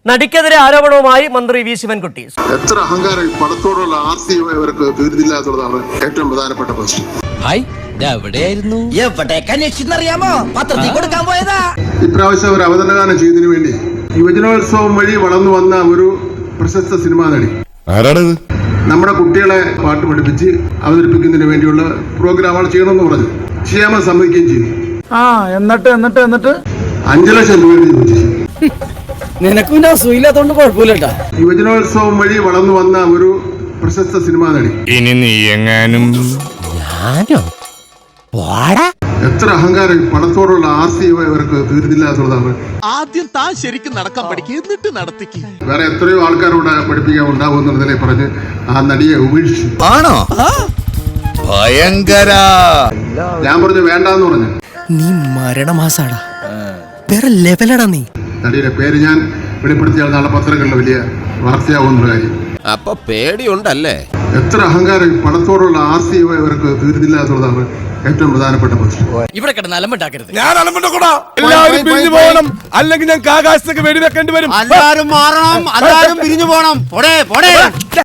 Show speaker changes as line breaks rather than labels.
നടിക്കെതിരെ ആരോപണവുമായി മന്ത്രി വി ശിവൻകുട്ടി.
എത്ര അഹങ്കാരം പണത്തോടുള്ള ആർത്തി അവർക്ക് തീർന്നില്ല എന്നുള്ളതാണ് ഏറ്റവും പ്രധാനപ്പെട്ട പ്രശ്നം. ഇപ്രാവശ്യം ഒരു അവതരണഗാനം ചെയ്തതിനു വേണ്ടി യുവജനോത്സവം വഴി വളർന്നു വന്ന ഒരു പ്രശസ്ത സിനിമാ നടി.
ആരാണത്?
നമ്മുടെ കുട്ടികളെ പാട്ട് പഠിപ്പിച്ച് അവതരിപ്പിക്കുന്നതിന് വേണ്ടിയുള്ള പ്രോഗ്രാമുകൾ ചെയ്യണമെന്ന് പറഞ്ഞു. ചെയ്യാമെന്ന് സമ്മതിക്കുകയും ചെയ്തു.
എന്നിട്ട്
5 ലക്ഷം രൂപ ചോദിച്ചു.
നിനക്കും സുഖമില്ലാത്തോണ്ട് കുഴപ്പമില്ലട്ടാ.
യുവജനോത്സവം വഴി വളർന്നു വന്ന ഒരു പ്രശസ്ത സിനിമാ നടി.
ഇനി നീ എങ്ങാനും
എത്ര അഹങ്കാരം പണത്തോടുള്ള ആർത്തി അവർക്ക് തീർന്നില്ല എന്നുള്ളതാണ്.
ആദ്യം താൻ ശരിക്കും നടക്കാൻ പഠിക്കുക, എന്നിട്ട് നടത്തിക്ക്.
വേറെ എത്രയോ ആൾക്കാരോട് പഠിപ്പിക്കാൻ ഉണ്ടാവും എന്നുള്ളതിനെ പറഞ്ഞ് ആ നടിയെ ഉപേക്ഷിച്ചു.
ആണോ? ഭയങ്കര.
ഞാൻ പറഞ്ഞു വേണ്ടാന്ന് പറഞ്ഞു.
നീ മരണമാസാടാ, വേറെ ലെവലടാ നീ.
നടിയുടെ പേര് ഞാൻ വെളിപ്പെടുത്തിയാൽ നാളെ പത്രങ്ങളിൽ വലിയ വാർത്തയാവുന്ന കാര്യം.
അപ്പൊ പേടിയുണ്ടല്ലേ?
എത്ര അഹങ്കാരം പണത്തോടുള്ള ആർത്തി അവർക്ക് തീർന്നില്ല എന്നുള്ളതാണ് ഏറ്റവും പ്രധാനപ്പെട്ട പ്രശ്നം.
ഇവിടെ കിടന്ന് അലമ്പുണ്ടാക്കരുത്.
ഞാൻ അലമ്പുണ്ടാക്കൂടാ. എല്ലാവരും പിരിഞ്ഞു പോകണം, അല്ലെങ്കിൽ ഞങ്ങൾക്ക് ആകാശത്തേക്ക് വെടിവെക്കേണ്ടി വരും.
എല്ലാരും മാറണം, എല്ലാരും പിരിഞ്ഞു പോണം.